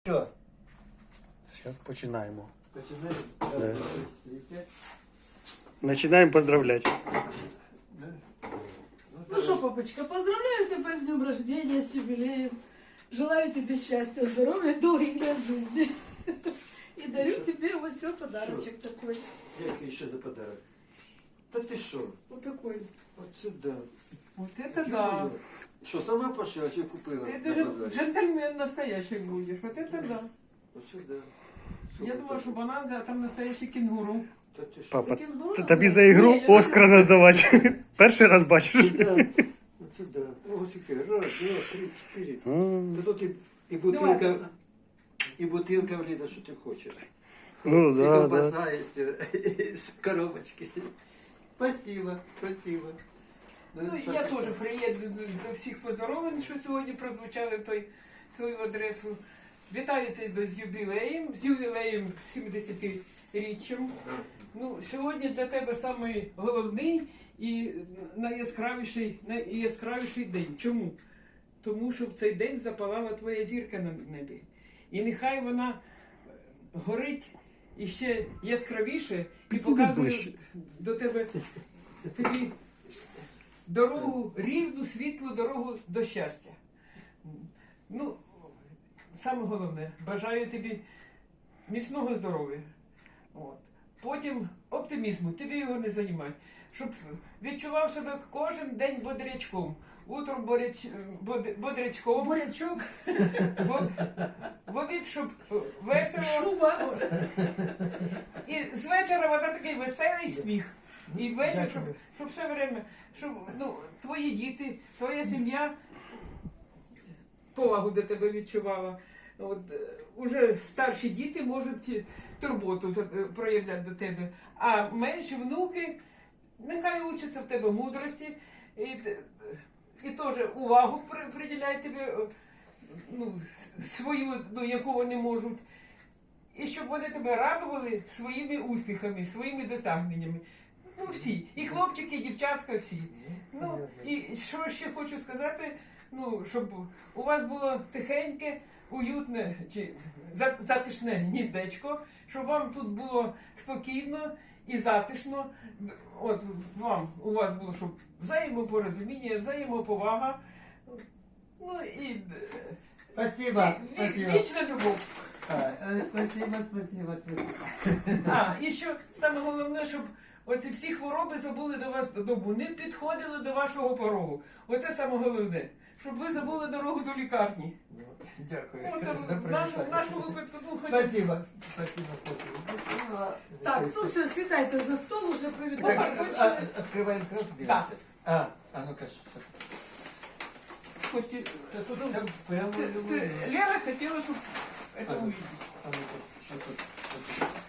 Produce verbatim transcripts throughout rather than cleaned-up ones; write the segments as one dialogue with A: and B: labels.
A: Що?
B: Зараз починаємо.
A: Починаємо?
B: Починаємо поздравляти.
C: Ну что, папочка, поздравляю тебя с днем рождения, с юбилеем. Желаю тебе счастья, здоровья, долгих лет жизни. И дарю тебе вот все подарочек такой.
A: Який ще за подарок? Та ти що?
C: Вот такой.
A: От сюди.
D: Вот это да.
A: Що, сама пошила чи купила?
D: Ты
A: на
D: же
A: базарі?
D: джентльмен настоящий будешь. Вот это да.
A: От сюди.
D: Я думала, что банан, а там настоящий кенгуру.
A: Та ти що?
B: Папа,
C: Це кінгуру
B: т-
C: надо?
B: тобі за ігру
D: Ні, я
B: Оскар надавати. Перший раз бачиш.
A: Сюди. От сюди. Ось яке. Раз, два, три, чотири.
B: М,
A: Та тут і, і
D: Давай,
A: бутилка,
D: папа.
A: і бутилка влізе, що ти хочеш.
B: Ну
A: І
B: да, да.
A: ковбаса, і з коробочки. Спасибо, спасибо.
D: Ну, я тоже приеду до всіх поздоровлень, що сьогодні прозвучали в той свою адресу. Вітаю тебе з юбілеєм, з ювілеєм сімдесятиріччям. Ну, сьогодні для тебе самий головний і найяскравіший, найяскравіший день. Чому? Тому що в цей день запалала твоя зірка на небі. І нехай вона горить іще яскравіше і показує
B: ближче.
D: до тебе тобі дорогу, рівну, світлу дорогу до щастя. Ну, саме головне, бажаю тобі міцного здоров'я. От. Потім оптимізму, тобі його не займай. Щоб відчував себе кожен день бодрячком. Утром боряч, bod- бодрячком,
C: Бурячок,
D: в, в обід, щоб весело.
C: шуба.
D: І з вечора вона такий веселий сміх. І ввечері, щоб, щоб все время, щоб ну, твої діти, твоя сім'я повагу до тебе відчувала. От, е, уже старші діти можуть турботу за- е, проявляти до тебе, а менші внуки нехай учаться в тебе мудрості і, т- і теж увагу при- приділяють тобі е, ну, свою, ну, яку вони можуть. І щоб вони тебе радували своїми успіхами, своїми досягненнями. Ну всі. І хлопчики, і дівчатка, всі. Ну, і що ще хочу сказати, ну, щоб у вас було тихеньке, уютне чи за- затишне гніздечко, щоб вам тут було спокійно і затишно. От вам, у вас було, щоб взаємопорозуміння, взаємоповага. Ну і
A: Спасибо,
D: ві-
A: спасибо.
D: вічна любов.
A: А, е, Спасибо, спасибо, спасибо.
D: А, і що саме головне, щоб оці всі хвороби забули до вас додому, не підходили до вашого порогу. Оце саме головне. Щоб ви забули дорогу до лікарні.
A: Дякую.
D: Ну, це
A: за
D: в нашому, в
A: привітання.
D: нашому випадку, ну, хоч...
A: Спасибо, спасибо, спасибо.
C: Так, ну все, сідайте за стол, уже
A: Так,
C: привітання
A: а,
C: кончились.
A: а, Открываем краску?
D: Да.
A: А, а ну-ка. что?
D: Кості,
A: Да тут там прямо
D: це,
A: любой.
D: це Лера хотіла, щоб це
A: А,
D: увидеть.
A: а ну-ка, что тут? Что тут?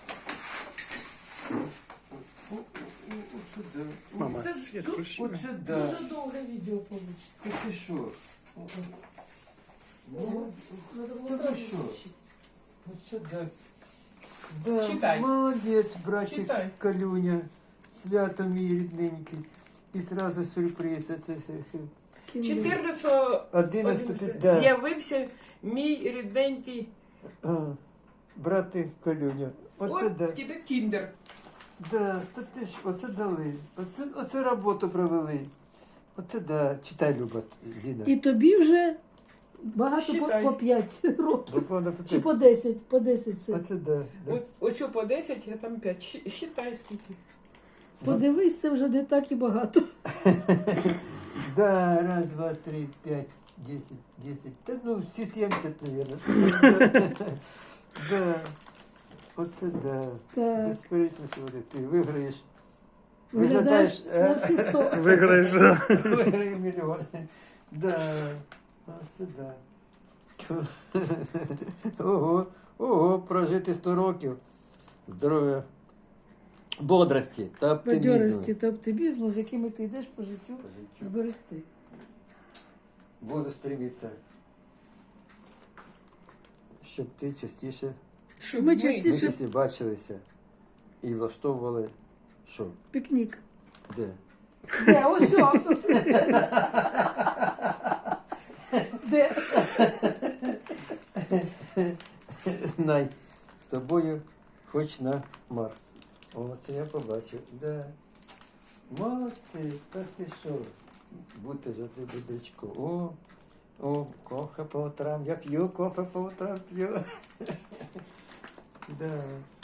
A: О, о, о, о, сюда. О,
B: Мама,
C: Це
B: світ
C: ду-
B: включи.
A: Вот сюда.
C: Дуже довге відео вийде.
A: Це ти що? О, о. Ну,
C: Надо було
A: Та
C: зразу
A: ви що?
C: включити.
A: вот сюда. Да,
D: Читай.
A: молодець, братик
D: Читай.
A: Калюня. Свято мій рідненький. І сразу сюрприз. Це, це, це.
D: чотирнадцятого
A: Одинадцятого, да.
D: з'явився мій рідненький,
A: А, брати Калюня. Оце
D: от
A: да.
D: тебе кіндер.
A: Да, то ти ж, оце дали. Оце, оце роботу провели. Оце да. Читай, Люба, Зіна.
C: І тобі вже багато по,
D: Считай.
C: по п'ять років.
A: Буквально по
C: Чи
A: п'ять.
C: по десять, по десять це.
A: Оце да. да.
D: От, ось по десять, а там п'ять. Щ- Считай скільки.
C: Подивись, це вже не так і багато.
A: Да, раз, два, три, пять, десять, десять. Да ну, все семьдесят, наверное. Да. Оце да.
C: Так,
A: Безперечно, сьогодні ти виграєш.
C: виглядаєш
A: е,
C: на всі сто.
B: Виграєш. да.
A: Виграю мільйон. Да. Оце да. Ого, ого, прожити сто років. Здоров'я. Бодрості та оптимізму.
C: Бадьорості та оптимізму, з якими ти йдеш по життю,
A: По життю.
C: зберегти.
A: Буду стремитися, щоб ти частіше
D: Щоб
C: Ми
D: ми
C: частіше-
A: ми всі бачилися і влаштовували що?
C: Пікнік.
A: Де?
C: Де? Ось о. Де?
A: знай, з тобою хоч на Марс. О, це я побачив. Да. Молодці, та ти що? Бути ж ти будечко. О, о, кофе по утрам. Я п'ю кофе по утрам п'ю. Да.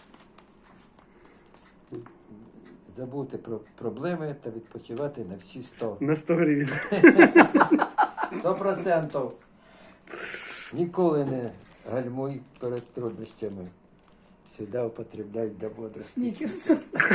A: Забути про проблеми та відпочивати на всі сто.
B: На сто гривень.
A: Сто процентів. Ніколи не гальмуй перед труднощами. Всегда употребляй для бодрості.
C: Сникерс.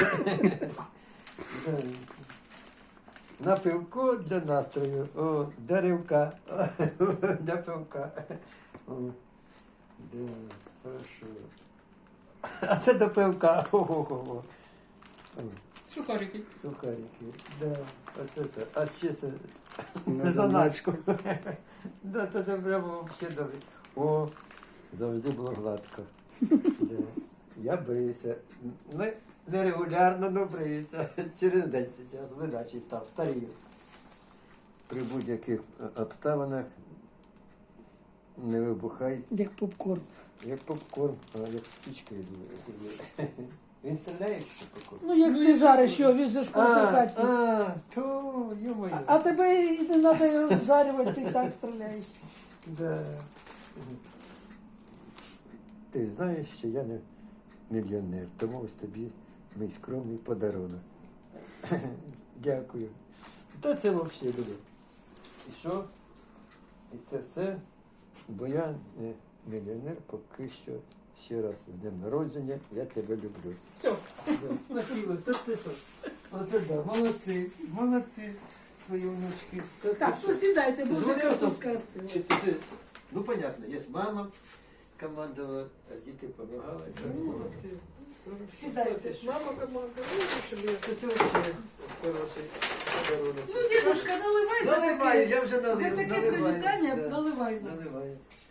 A: Да. На пивко для настрою. О, для ривка. Для пивка. О, да, хорошо. А це до пивка. О-о-о.
D: Сухарики.
A: Сухарики. Да. Оце це. А ще це
B: На
A: на заначку. Да, це прямо взагалі добре. О, завжди було гладко. Да. Я бриюся. Не, не регулярно, але бриюся. Через день зараз ледачий став, старію. При будь-яких е, обставинах не вибухай,
C: Як попкорн.
A: як попкорн, а як спичка йду. Він стріляє, що попкорн?
C: Ну, як ти жариш його, він же ж по всій
A: А,
C: хаті.
A: а, то, ё-моё.
C: А тебе і не треба його жарювати, ти і так стріляєш.
A: Да. Ти знаєш, що я не мільйонер, тому ось тобі мій скромний подарунок. Дякую. Та це взагалі буде. І що? І це все, бо я не мільйонер, поки що. Ще раз з днем народження, я тебе люблю.
D: Все.
A: Да, Спасибо, та ти що? Оце да, молодці, молодці, свої внучки. Та ти
C: Так,
A: що?
C: ну сідайте, бо вже
A: Звонив
C: картошка
A: там?
C: остила.
A: Чи це ти? Ну, понятно, є мама, командувала, а діти допомагали. Молодці.
C: Сідайте.
D: Мама команда. Ну, щоб я-
A: Це це взагалі хороший подарунок.
C: Ну, дедушка, наливай за
A: Наливаю,
C: таке,
A: я вже
C: за
A: налив,
C: таке
A: наливаю.
C: привітання,
A: Да,
C: наливай.
A: Наливаю.